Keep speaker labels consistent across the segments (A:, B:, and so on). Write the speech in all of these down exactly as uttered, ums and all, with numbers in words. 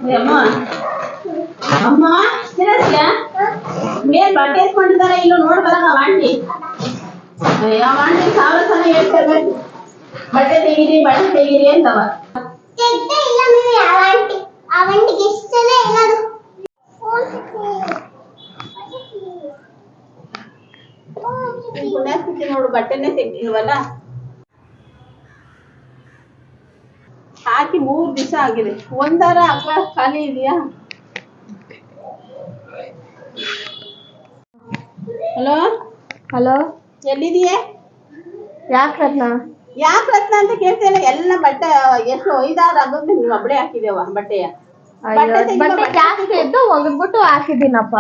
A: ಅಮ್ಮ ಅಮ್ಮ ತಿರಸ್ಯ ಮೇಲ್ ಬಟ್ಟೆ ಎತ್ಕೊಂಡಿದ್ದಾರೆ ಇಲ್ಲೂ ನೋಡ್ಬಲ್ಲ ವಾಂಟಿ ಯಾವ ವಾಂಟಿ ಸಾವಿರ ಸಲ ಹೇಳ್ತೇವೆ ಬಟ್ಟೆ ತೆಗೀರಿ ಬಟ್ಟೆ ತೆಗೀರಿ ಅಂತವ ಪುಣ್ಯಾಸ್ತಿ ನೋಡು ಬಟ್ಟೆನೆ ತೆಗ್ದಿಲ್ವಲ್ಲ ಹಾಕಿ ಮೂರ್ ದಿವಸ ಆಗಿದೆ ಒಂದಾರ ಅಕ್ಕ ಖಾಲಿ ಇದೆಯಾ ಹಲೋ
B: ಹಲೋ
A: ಎಲ್ಲಿದೀಯ
B: ಯಾಕೆ ರತ್ನ
A: ಯಾಕೆ ರತ್ನ ಅಂತ ಕೇಳ್ತೇನೆ ಎಲ್ಲ ಬಟ್ಟೆ ಎಷ್ಟು ಐದಾರು ಆಗೋದು ನೀವು ಒಬ್ಬಳೆ ಹಾಕಿದೇವ ಬಟ್ಟೆಯ
B: ಬಟ್ಟೆ ಜಾಸ್ತಿ ಇದ್ದು ಒಗದ್ಬಿಟ್ಟು ಹಾಕಿದ್ದೀನಪ್ಪ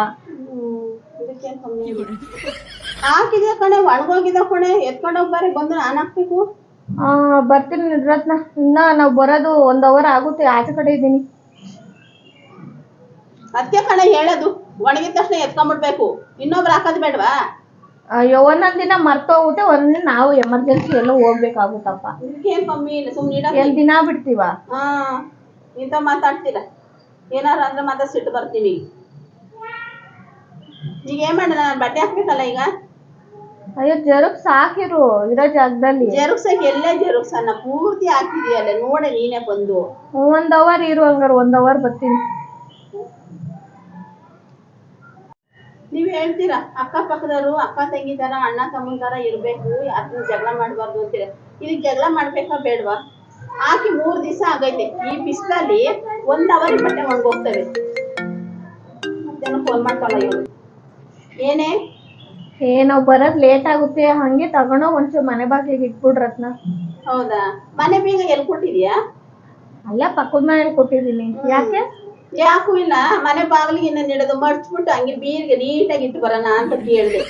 A: ಹಾಕಿದೆ ಕಣೆ ಒಣಗೋಗಿದ ಕಣೆ ಎತ್ಕೊಂಡು ಹೋಗ್ಬಾರಿ ಬಂದು ನಾನು ಹಾಕ್ಬೇಕು
B: ಆ ಬರ್ತೀನಿ ರತ್ನ ಇನ್ನ ನಾವು ಬರೋದು ಒಂದ್ ಅವರ್ ಆಗುತ್ತೆ ಆಚೆ ಕಡೆ ಇದ್ದೀನಿ
A: ಅದಕ್ಕೆ ಕಣೆ ಹೇಳೋದು ಒಣಗಿದ ತಕ್ಷಣ ಎತ್ಕೊಂಡ್ಬಿಡ್ಬೇಕು ಇನ್ನೊಬ್ರು ಹಾಕೋದು ಬೇಡವಾ
B: ಅಯ್ಯೋ ಒಂದೊಂದ್ ದಿನ ಮರ್ತೋಗುತ್ತೆ ಒಂದಿನ ನಾವು ಎಮರ್ಜೆನ್ಸಿ ಎಲ್ಲ ಹೋಗ್ಬೇಕಾಗುತ್ತಪ್ಪ
A: ಇದಕ್ಕೇನ್ ಕಮ್ಮಿ ಇಲ್ಲ ಸುಮ್ನೆ
B: ಎಲ್ ದಿನ ಬಿಡ್ತೀವ
A: ಹಾ ಇಂತ ಮಾತಾಡ್ತೀರ ಏನಾರ ಅಂದ್ರೆ ಮಾತ್ರ ಸಿಟ್ಟು ಬರ್ತೀವಿ ಈಗ ಏನ್ ಮಾಡ ನಾನು ಬಟ್ಟೆ ಹಾಕ್ಬೇಕಲ್ಲ ಈಗ
B: ಅಯ್ಯೋ ಜರುಗ್ಸ್ ಹಾಕಿರು ಇರೋ ಜಾಗದಲ್ಲಿ
A: ಜರುಗ್ಸಕ್ಕೆ ಎಲ್ಲೇ ಜರುಗ್ಸನ್ನ ಪೂರ್ತಿ ಹಾಕಿದೀಯಲ್ಲ ನೋಡೆ ನೀನೇ ಬಂದು
B: ಒಂದ್ ಅವರ್ ಇರು ಹಂಗಾರ ಒಂದ್ ಅವರ್ ಬರ್ತೀನಿ
A: ನೀವ್ ಹೇಳ್ತೀರಾ ಅಕ್ಕ ಪಕ್ಕದವರು ಅಕ್ಕ ತಂಗಿ ತರ ಅಣ್ಣ ತಮ್ಮನ ತರ ಇರ್ಬೇಕು ಯಾರನ್ನ ಜಗಳ ಮಾಡ್ಬಾರ್ದು ಅಂತೀರ ಇದಕ್ ಜಗಳ ಮಾಡ್ಬೇಕಾ ಬೇಡ್ವಾ ಹಾಕಿ ಮೂರ್ ದಿವಸ ಆಗೈತೆ ಈ ಬಿಸಿಲಲ್ಲಿ ಒಂದ್ ಅವರ್ ಬಟ್ಟೆ ಒಣಗೋಗ್ತವೆ ಮತ್ತೇನೋ ಫೋನ್ ಮಾಡ್ತಾಳ ಇವ್ರು ಏನೇ
B: ಏನೋ ಬರೋದ್ ಲೇಟ್ ಆಗುತ್ತೆ ಹಂಗೆ ತಗೊಂಡೋಗ್ ಒಂಚೂರು ಮನೆ ಬಾಗ್ಲಿಗೆ ಇಟ್ಬಿಡ್ ರತ್ನ
A: ಹೌದಾ ಮನೆ ಬೀಗ ಎಲ್ಲಿ ಕೊಟ್ಟಿದ್ಯಾ
B: ಅಲ್ಲ ಪಕ್ಕದ ಮನೇಲಿ ಕೊಟ್ಟಿದ್ದೀನಿ ಯಾಕೆ
A: ಯಾಕೂ ಇಲ್ಲ ಮನೆ ಬಾಗಿಲಿಗೆ ಇನ್ನ ನಿಡೋದು ಮಡ್ಚ್ಬಿಟ್ಟು ಹಂಗೆ ಬೀರ್ಗೆ ನೀಟಾಗಿ ಇಟ್ಟು ಬರೋಣ ಅಂತ ಕೇಳಿದೆ